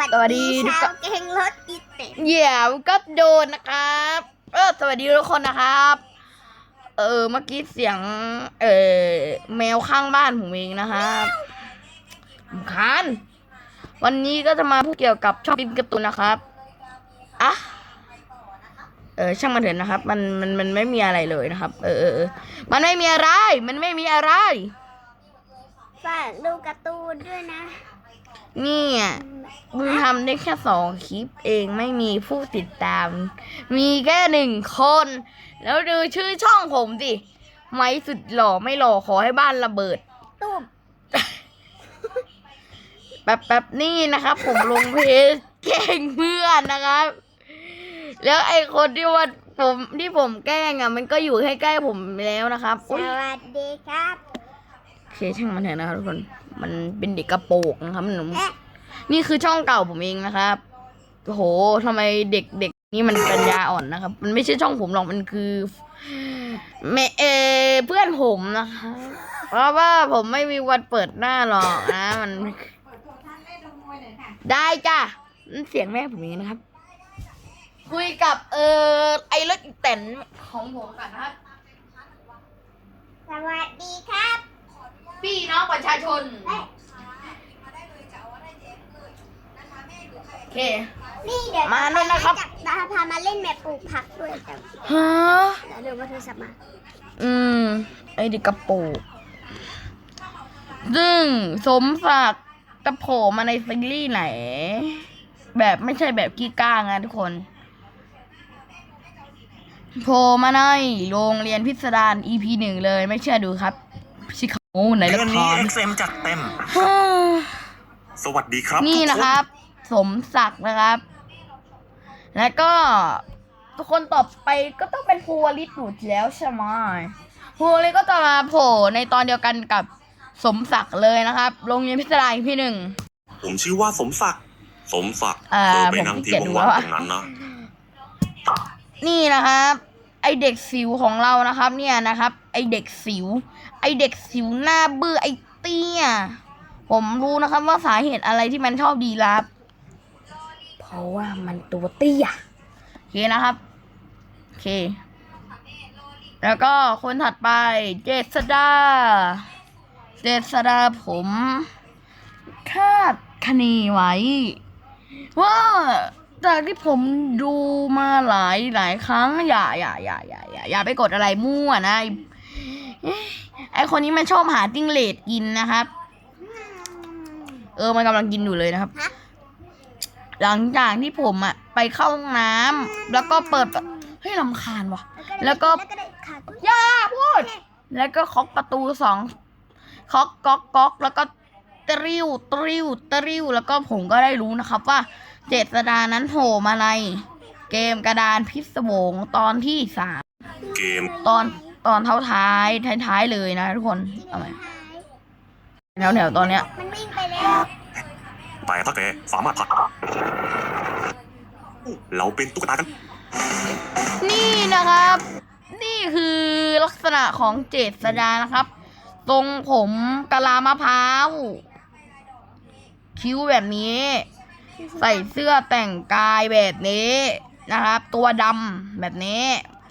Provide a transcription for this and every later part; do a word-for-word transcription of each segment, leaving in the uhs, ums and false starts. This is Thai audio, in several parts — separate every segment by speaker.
Speaker 1: สวัสดีชาวเก่งรถอีเต็มเดี๋ยวก็โดนนะครับเออสวัสดีทุกคนนะครับเออเมื่อกี้เสียงเออแมวข้างบ้านผมเองนะครับรำคาญวันนี้ก็จะมาพูดเกี่ยวกับช่องบินการ์ตูนนะครับอ่ะเออช่างมันเถอะนะครับมันมันมันไม่มีอะไรเลยนะครับเออเออมันไม่มีอะไรมันไม่มีอะไร
Speaker 2: ฝากดูการ์ตูนด้วยนะ
Speaker 1: นี่มึงทำได้แค่สองคลิปเองไม่มีผู้ติดตาม มีแค่หนึ่งคนแล้วดูชื่อช่องผมสิไม้สุดหล่อไม่หล่อขอให้บ้านระเบิด
Speaker 2: ตุ้ม
Speaker 1: แป๊บแป๊บนี่นะครับผมลงเพจแกล้งเพื่อนนะครับแล้วไอ้คนที่ว่าผมที่ผมแกล้งอ่ะมันก็อยู่ใกล้ๆผมแล้วนะครับ
Speaker 2: สวัสดีครับ
Speaker 1: โอเคช่างมันเถอะนะครับทุกคนมันเป็นเด็กกระโปรงนะครับหนูนี่คือช่องเก่าผมเองนะครับโอ้โหทำไมเด็กเด็กนี่มันปัญญาอ่อนนะครับมันไม่ใช่ช่องผมหรอกมันคือแม่เอเพื่อนผมนะคะเพราะว่าผมไม่มีวันเปิดหน้าหรอกนะมันได้จ้ะนั่นเสียงแม่ผมเองนะครับคุยกับเออไอ้รถอีแตนของผมกันนะครับ
Speaker 2: สวัสดีครับ
Speaker 1: พี่น้องประชาชนโอเค
Speaker 2: นี่เดี๋ยว
Speaker 1: มาเลยนะครับ
Speaker 2: จะพามาเล่นแมปปลูกผักด้วยจ้ะ
Speaker 1: ฮะ
Speaker 2: เดี๋ยวมาโทรศัพท์มา
Speaker 1: อืมไอ้เด็กกระโปงซึ่งสมศักดิ์จะโผล่มาในซีรีส์ไหนแบบไม่ใช่แบบกี้ก้างนะทุกคนโผล่มาในโรงเรียนพิสดาร อี พี หนึ่งเลยไม่เชื่อดูครับชิคาโมในละคร
Speaker 3: เดือนนี้ เอ็กซ์ เอ็ม จัดเต็มสวัสดีครับ
Speaker 1: นี่นะครับสมศักดิ์นะครับแล้วก็ทุกคนต่อไปก็ต้องเป็นภูวลิศอยู่แล้วใช่ไหมภูวลิศก็จะมาโผล่ในตอนเดียวกันกับสมศักดิ์เลยนะครับโรงเรียนพิสดาร อี พี หนึ่ง
Speaker 3: ผมชื่อว่าสมศักดิ์สมศักดิ์เธอไปนั่งที่ว่างๆตรงนั้นนะ
Speaker 1: นี่นะครับไอเด็กสิวของเรานะครับเนี่ยนะครับไอเด็กสิวไอเด็กสิวหน้าบื้อไอเตี้ยผมรู้นะครับว่าสาเหตุอะไรที่มันชอบดีรับเพราะว่ามันตัวเตี้ยโอเคนะครับโอเคแล้วก็คนถัดไปเจษดาเจษดาผมคาดคะเนไว้ว่าจากที่ผมดูมาหลายหลายครั้งอย่าอย่าอย่าอย่าอย่าอย่าไปกดอะไรมั่วนะไอคนนี้มันชอบหาจิ้งเหลนกินนะครับเออมันกำลังกินอยู่เลยนะครับหลังจากที่ผมอะไปเข้าห้องน้ำแล้วก็เปิดเฮ้ยรำคาญว่ะแล้วก็อย่าพูดแล้วก็เคาะประตูสองเคาะก๊อกก๊อกแล้วก็ตริวตริวตริวแล้วก็ผมก็ได้รู้นะครับว่าเจษดานั้นโผล่มาในเกมกระดานพิศวงตอนที่สาม
Speaker 3: เกม
Speaker 1: ตอนตอนเท้าท้ายท้ายๆเลยนะทุกคนเอาไหมแถวแถวตอนเนี้ย
Speaker 2: มันวิ่งไปแล้ว
Speaker 3: แต่ถ้าแกสามารถผัดเราเป็นตุ๊กตากัน
Speaker 1: นี่นะครับ นี่คือลักษณะของเจษดานะครับทรงผมกะลามะพร้าวคิ้วแบบนี้ใส่เสื้อแต่งกายแบบนี้นะครับตัวดำแบบนี้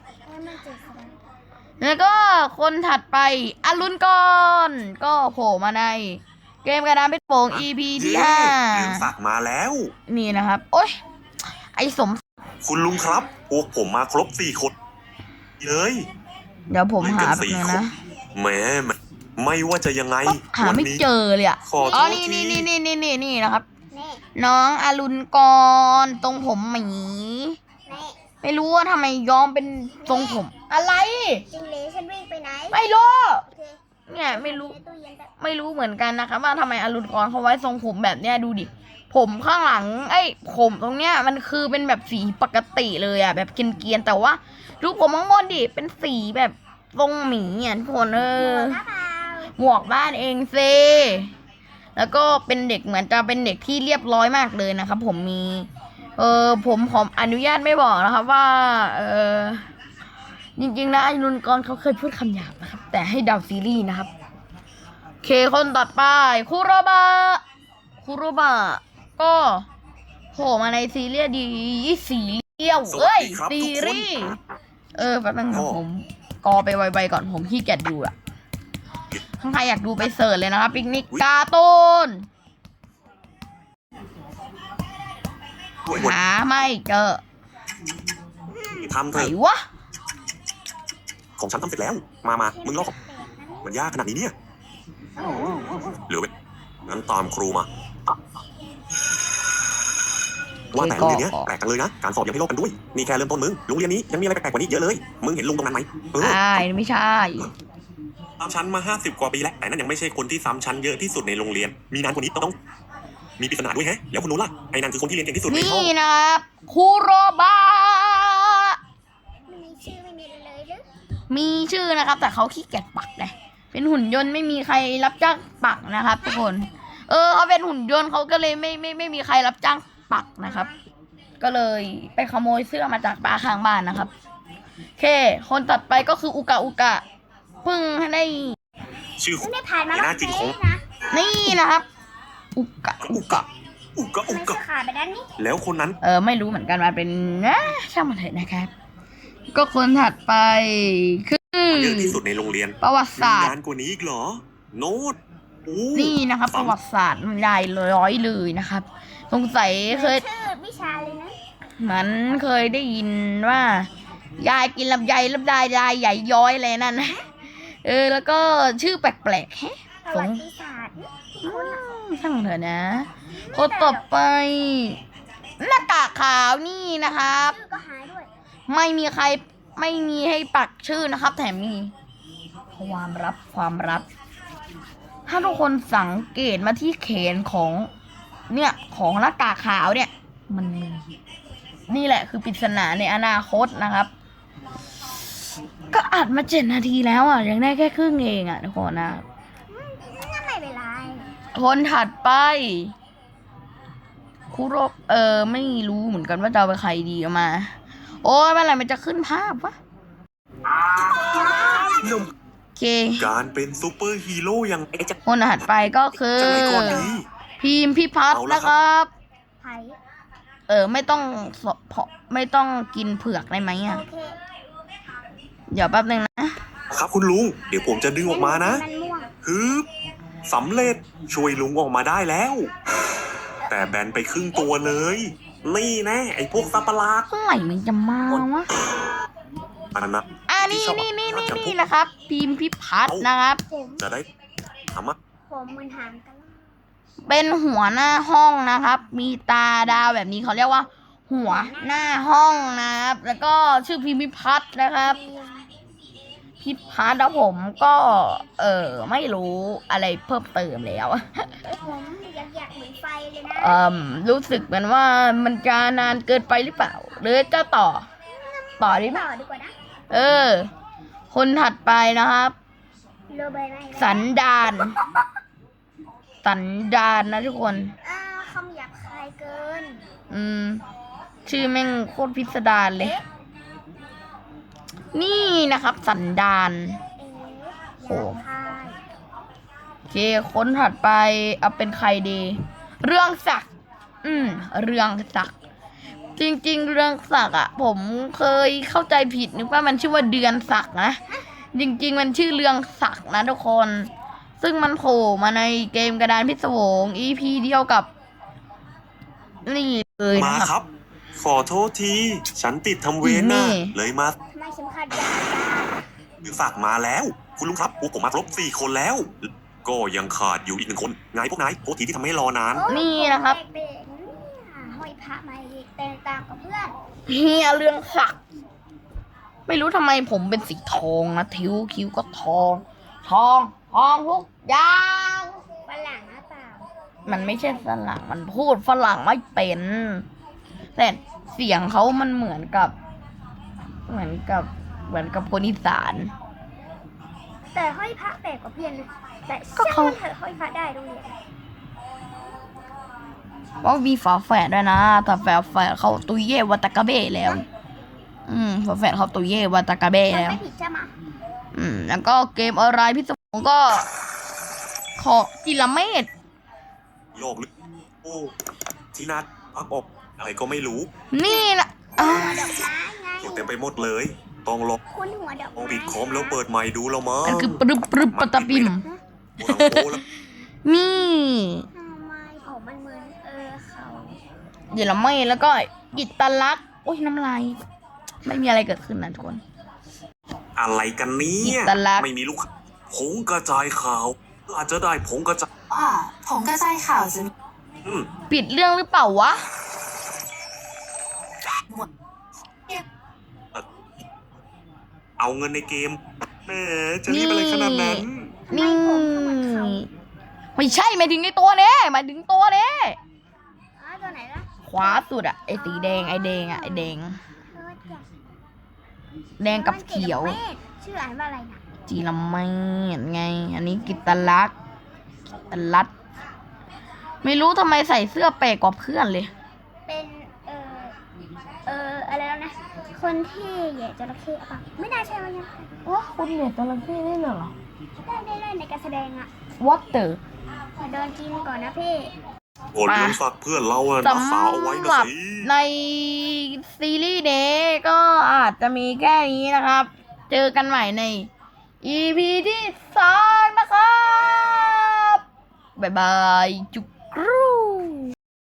Speaker 1: แล้วก็คนถัดไปอรุณกรก็โผล่มาในเกมกระดานเพชรโป่ง อี พี ที่ห้า
Speaker 3: ลุงศักดิ์มาแล้ว
Speaker 1: นี่นะครับโอ๊ยไอสม
Speaker 3: คุณลุงครับพวกผมมาครบสี่คนเลย
Speaker 1: เดี๋ยวผมหาแบบนึงนะ
Speaker 3: แหมไม่ว่าจะยังไง
Speaker 1: หาไม่เจอเลยอ่ะอ๋อนี่นี่นี่นี่นี่นี่นี่นะครับน้องอรุณกรตรงผมหมีไม่รู้ว่าทำไมย้อมเป็นทรงผมอะไร
Speaker 2: จิงเหลนฉันวิ่งไปไหน
Speaker 1: ไม่รู้เนี่ยไม่รู้ไม่รู้เหมือนกันนะครับว่าทำไมอรุณกรเขาไว้ทรงผมแบบเนี้ยดูดิผมข้างหลังไอ้ผมตรงเนี้ยมันคือเป็นแบบสีปกติเลยอ่ะแบบเกรียนๆแต่ว่าดูผมข้างบนดิเป็นสีแบบทรงหมีอ่ะทุกคนเออหมวกบ้านเองเซแล้วก็เป็นเด็กเหมือนจะเป็นเด็กที่เรียบร้อยมากเลยนะครับผมมีเออผมขออนุญาตไม่บอกนะครับว่าเออจริงๆนะอรุณกรเขาเคยพูดคำหยาบนะครับแต่ให้เดาซีรีส์นะครับโอเคคนต่อไปคุโรบะคุโรบะก็โผล่มาในซีรีส์ดีซีเรียลเอ้ยซีรีส์เออแป๊บนึงนะผมกอไปไวๆก่อนผมขี้เกียจดูอะถ้าใครอยากดูไปเสิร์ชเลยนะครับปิกนิกการ์ตูนหาไม่เจอ
Speaker 3: ทำเถ
Speaker 1: ไหน
Speaker 3: อะ
Speaker 1: วะ
Speaker 3: ของฉันทำเสร็จแล้ว มามามึงลอกมันยากขนาดนี้เนี่ยเหลือไว้งั้นตามครูมา ว่าแต่โรงเรียนเนี้ยแปลกกันเลยนะ การสอบยังให้ลอกกันด้วย นี่แค่เริ่มต้นมึง โรงเรียนนี้ยังมีอะไรแปลกๆกว่านี้เยอะเลย มึงเห็นลุงตรงนั้นไหมเออ
Speaker 1: ใช่ไม่ใช่
Speaker 3: ซ้ำชั้นมาห้าสิบกว่าปีแล้ว แต่นั่นยังไม่ใช่คนที่ซ้ำชั้นเยอะที่สุดในโรงเรียน มีนานกว่านี้ต้อง มีปริศนาด้วยแฮะ แล้วคนนู้นล่ะ ไอ้นั่นคือคนที่เรียนเก่งที่สุดในห้
Speaker 1: นี่
Speaker 3: อง
Speaker 1: นะครับคูโรบะ
Speaker 2: ไม่มีชื่อไม่มีอะไรเลยหรือ
Speaker 1: มีชื่อนะครับ แต่เขาขี้เกียจปักเลยเป็นหุ่นยนต์ไม่มีใครรับจ้างปักนะครับทุกคน เออเขาเป็นหุ่นยนต์เขาก็เลยไม่ไม่ไม่มีใครรับจ้างปักนะครับ ก็เลยไปขโมยเสื้อมาจากป้าข้างบ้านนะครับโอเคคนตัดไปก็คืออุกะอุกะเพิ่งได้
Speaker 3: ชื่อ
Speaker 2: ไม่ได้ผ่านมา
Speaker 3: หน้าจริงของ
Speaker 2: นะ
Speaker 1: นี่นะครับ อุกะ
Speaker 3: อุกะ อุกะ อุ
Speaker 2: มัน
Speaker 3: กะ
Speaker 2: จะขาดไปด้านนี้
Speaker 3: แล้วคนนั้น
Speaker 1: เออไม่รู้เหมือนกันว่าเป็นนะช่างมันเถอะนะครับ ก็คนถัดไปคือ
Speaker 3: เยอะที่สุดในโรงเรียน
Speaker 1: ประวัติ
Speaker 3: มี
Speaker 1: ศาสต
Speaker 3: งา
Speaker 1: ร์
Speaker 3: นกว่านี้อีกเหรอ โน้ตโอ้
Speaker 1: นี่นะครับ ประวัติศาสตร์มันใหญ่ร้อยเลยนะครับ สงสัยเคย
Speaker 2: ชื่อวิชาเลยนะ
Speaker 1: เหมือนเคยได้ยินว่า ยายกินลำไยลำไยยายใหญ่ย้อยอะไรนั่นนะเออ แล้วก็ชื่อแปลกๆแฮะ
Speaker 2: ประ
Speaker 1: ส
Speaker 2: วั
Speaker 1: ง
Speaker 2: ติศาสตร์
Speaker 1: อืมช่างเถอะนะคนต่อไปหน้ากากขาวนี่นะครับ
Speaker 2: ชื่อก็หายด้วย
Speaker 1: ไม่มีใครไม่มีให้ปักชื่อนะครับ แถมมีความลับความลับ ถ้าทุกคนสังเกตมาที่แขนของ เนี่ยของหน้ากากขาวเนี่ย มันมีนี่แหละคือปริศนาในอนาคตนะครับ ก็อัดมาเจ็ดนาทีแล้วอ่ะยังได้แค่ครึ่งเองอ่ะทุกคนนะ
Speaker 2: งั้นไม่เป็นไร
Speaker 1: คนถัดไปคุโรเออไม่รู้เหมือนกันว่าจะเอาไปใครดีเอามา โอ้ยเมื่อไหร่มันจะขึ้นภาพวะ
Speaker 3: หนุ่ม
Speaker 1: โอเค
Speaker 3: การเป็นซูเปอร์ฮีโร่อย่างไอ้จะ
Speaker 1: คนถัดไปก็คือ
Speaker 3: จะไหนก่อนดี
Speaker 1: พีมพิพัฒน์
Speaker 3: เอาละ
Speaker 1: นะ
Speaker 3: ค
Speaker 1: ค
Speaker 3: รั
Speaker 1: รับ
Speaker 2: ไผ่
Speaker 1: เออไม่ต้องสเพาะไม่ต้องกินเผือกได้ไหมอ่ะ
Speaker 2: โอเค
Speaker 1: เดี๋ยวแป๊บนึงนะ
Speaker 3: ครับคุณลุง เดี๋ยวผมจะดึงออกมานะ
Speaker 2: มันม่วง
Speaker 3: ฮึบสำเร็จช่วยลุงออกมาได้แล้ว แต่แบนไปครึ่งตัวเลย นี่แน่ไอ้พวกสัตว์ประหลาด
Speaker 1: เมื่อไหร่มันจะมาวะ
Speaker 3: อันนั้นนะ
Speaker 1: อ่านี่นี่นี่นี่นี่นะครับพีมพิพัฒน์นะครับ
Speaker 2: ผม
Speaker 3: จะได้ทำอะ
Speaker 2: ผมมันหางกันแล้ว
Speaker 1: เป็นหัวหน้าห้องนะครับ มีตาดาวแบบนี้เขาเรียกว่า หัวหน้าห้องนะครับ แล้วก็ชื่อพิมพิพัฒน์นะครับ พิพัฒน์แล้วผมก็ เออไม่รู้อะไรเพิ่มเติมแล้ว
Speaker 2: ผมอยากอยากเหมือนไฟเลยนะ
Speaker 1: เอ่มรู้สึกเหมือนว่ามันจะนานเกินไปหรือเปล่า หรือจะต่อ ต่อดีไหม
Speaker 2: ต่อดีกว่านะ
Speaker 1: เออ คนถัดไปนะครับ
Speaker 2: โรเบิร์ตไม่ได้
Speaker 1: สันดาน สันดานนะทุกคน
Speaker 2: อ่าคำหยาบคายเกิน
Speaker 1: อืม ชื่อแม่งโคตรพิสดารเลย นี่นะครับ สันดาน
Speaker 2: เอ๊ะหยาบคาย
Speaker 1: โอเค คนถัดไปเอาเป็นใครดี เรื่องศักดิ์อืม เรื่องศักดิ์จริงๆ เรื่องศักดิ์อ่ะ ผมเคยเข้าใจผิดนึกว่ามันชื่อว่าเดือนศักดิ์นะ จริงๆ มันชื่อเรื่องศักดิ์นะทุกคน ซึ่งมันโผล่มาในเกมกระดานพิศวง อี พี เดียวกับ นี่เลย
Speaker 3: มา
Speaker 1: นะค
Speaker 3: ครับ รับ ขอโทษที ฉันติดทำเวร
Speaker 1: นี่
Speaker 3: นะเลยมา
Speaker 2: ไม่เข็มขัดยาจ้า
Speaker 3: คือฝากมาแล้ว คุณลุงครับพวกผมมาครบสี่คนแล้ว ก็ยังขาดอยู่อีกหนึ่งคนไงพวกนายโทษทีที่ทำให้รอนาน
Speaker 1: นี่นะครับ
Speaker 2: แปลกๆเนี่ยห้อยพระมาอีกแตกต่างกับเพื่อน
Speaker 1: เฮียเรื่องศักดิ์ไม่รู้ทำไมผมเป็นสีทองนะทิวคิ้วก็ทอง ทองทองทุกอย่าง
Speaker 2: ฝรั่งหน้าเปล่า
Speaker 1: มันไม่ใช่ฝรั่งมันพูดฝรั่งไม่เป็น แต่เสียงเขามันเหมือนกับ เหมือนกับ เหมือนกับคนอีสาน
Speaker 2: แต่ห้อยพระแปลกกว่าเพื่อนนะแต่
Speaker 1: ก็เขา
Speaker 2: เชื่อว่าเธอห้อยพระได้ตรงนี้
Speaker 1: ว่ามีฝาแฝดด้วยนะ แต่ฝาแฝดเขาตุยเย่วัตากาเบ้แล้ว อืมฝาแฝดเขาตุยเย่วัตากาเบ้
Speaker 2: มัน
Speaker 1: แล้ว
Speaker 2: ไม่ผิดใช่ไหม
Speaker 1: อืม แล้วก็เกมอะไรพี่สมงก็ขอจิลเมต
Speaker 3: โลกลึกโอ้ที่นัดพักอกอะไรก็ไม่รู้
Speaker 1: นี่นะอ่า
Speaker 2: หัวดอกไม้ไง
Speaker 3: อยู่เต็มไปหมดเลยต้องลบ
Speaker 2: คุณหัวดอก
Speaker 3: มอง
Speaker 2: ไม้
Speaker 3: ปิดคอมแล้วเปิดใหม่ดูแล้วมั้ง
Speaker 1: นั่นคือปรึบปรึบปะตะปิม
Speaker 3: โอ้โหแล้ว
Speaker 1: นี่
Speaker 2: ทำไมเขามันเหมือนเออเขา
Speaker 1: เดี๋ยวเราไม่แล้วก็กิตตลักษณ์โอ้ยน้ำลายไม่มีอะไรเกิดขึ้นนะทุกคน
Speaker 3: อะไรกันเนี้
Speaker 1: อิตาลักษณ์
Speaker 3: ไม่มีลูกค้าผงกระจายข่าว อาจจะได้ผงกระจาย
Speaker 4: อ่าผมกระจายข่าวจะมี
Speaker 3: อืม
Speaker 1: ปิดเรื่องหรือเปล่าวะ
Speaker 4: หมด
Speaker 3: เอาเงินในเกมแหมจะรีบอะไรขนาดนั้น
Speaker 1: นี่ไม่ใช่หมายถึงในตัวเนี้หมายถึงตัวเนี้
Speaker 2: อ๋อตัวไหนล่ะ
Speaker 1: ขวาสุดอะไอสีแดงไอแดงอะไอแดง
Speaker 2: เออจ้ะ
Speaker 1: แดงกับเขียว
Speaker 2: มันเกดชื่ออ่านว่าอะไรนะ
Speaker 1: จีละไม่ไง อันนี้กิตตลักษณ์กิตตลัดไม่รู้ทำไมใส่เสื้อแปลกกว่าเพื่อนเลย
Speaker 2: เป็นเออเอออะไรแล้วนะ คนที่เหย่จระเข้อะปะไม่น่าใช่ว่ายัง
Speaker 1: ว่าคุณเนี่ยจระเข้ได้เหรอ
Speaker 2: ได้ได้ได้ในการแสดงอะ
Speaker 1: Water
Speaker 2: ขอเดินกินก่อนนะพี่
Speaker 3: โอนเงินฝากเพื่อนเราอะ
Speaker 1: ส
Speaker 3: รักษาเอาไว้
Speaker 1: ำ
Speaker 3: นะ
Speaker 1: หรับ
Speaker 3: สิ
Speaker 1: ในซีรีส์เดย์ก็อาจจะมีแค่นี้นะครับ เจอกันใหม่ใน อี พี ที่สองนะครับ บ๊ายบาย จุ๊บ